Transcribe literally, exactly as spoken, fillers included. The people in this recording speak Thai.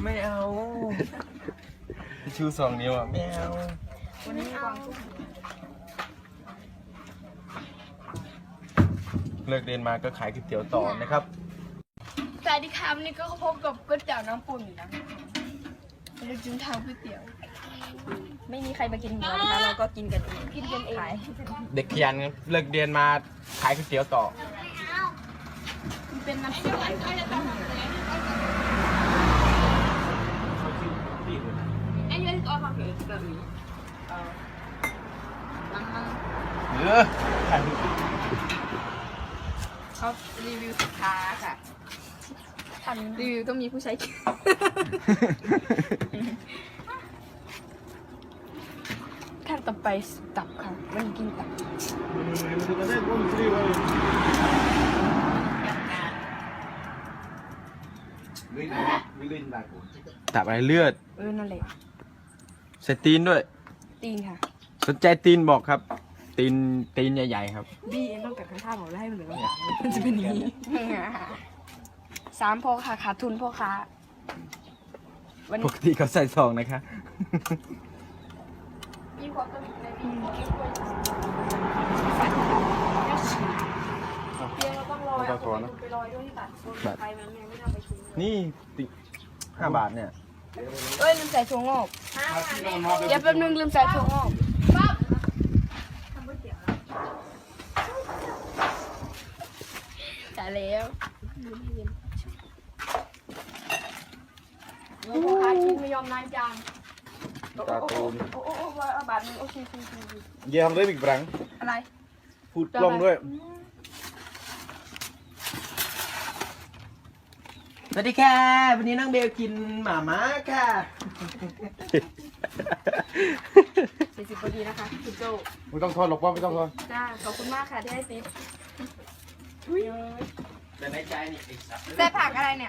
ไม่เอาชูสองนิ้วอ่ะไม่เอาวันนี้วางเลิกเรียนมาก็ขายก๋วยเตี๋ยวต่อนะครับสวัสดีครับนี่ก็พบกับก๋วยเตี๋ยวน้ำปุ่นนะเราจึงทำก๋วยเตี๋ยวไม่มีใครมากินเรานะคะเราก็กินกันเองกินกันเองเด็กขยันเลิกเรียนมาขายก๋วยเตี๋ยวต่อเป็นน้ำจิ้มอันนี้ก็ทำเกี่ยวกับนี้เออเขารีวิวสินค้าค่ะทำรีวิวต้องมีผู้ใช้ขั้นต่อไปตับค่ะมันกินตับตับอะไรเลือดเออนั่นแหละใส่ตีนด้วยตีนค่ะสนใจตีนบอกครับตีนตีนใหญ่ๆครับบี้เองต้องกัดข้างท่าบอกแล้วให้มันเหลือมันจะเป็นอย่างนี้สามพ่อค่ะขาดทุนพ่อค้าปกติเขาใส่ซองนะคะมีความต้องในปีนี้เตียงเราต้องรอไปรอด้วยที่ตัดไปมันไม่ทำไปชุบนี่ติห้าบาทเนี่ยเอ้ยลืมใส่ถั่วงอกเดี๋ยวแป๊บนึงลืมใส่ถั่วงอกทำก๋วยเตี๋ยวจ่ายแล้วโอ้โหอาชีพไม่ยอมนานจังตาตูนโอ้โอ้โอ้บาทนึงโอเคโอเคเยี่ยมเลยบิ๊กบรังอะไรพูดกล้องด้วยสวัสดีค่ะวันนี้น้องเบลกินหม่าม้าค่ะสี่สิบพอดีนะคะคุณโจไม่ต้องทอนหรอกว่าไม่ต้องทอนจ้าขอบคุณมากค่ะที่ให้ติ๊บแต่ในใจนี่อีกสักใส่ผักอะไรเนี่ย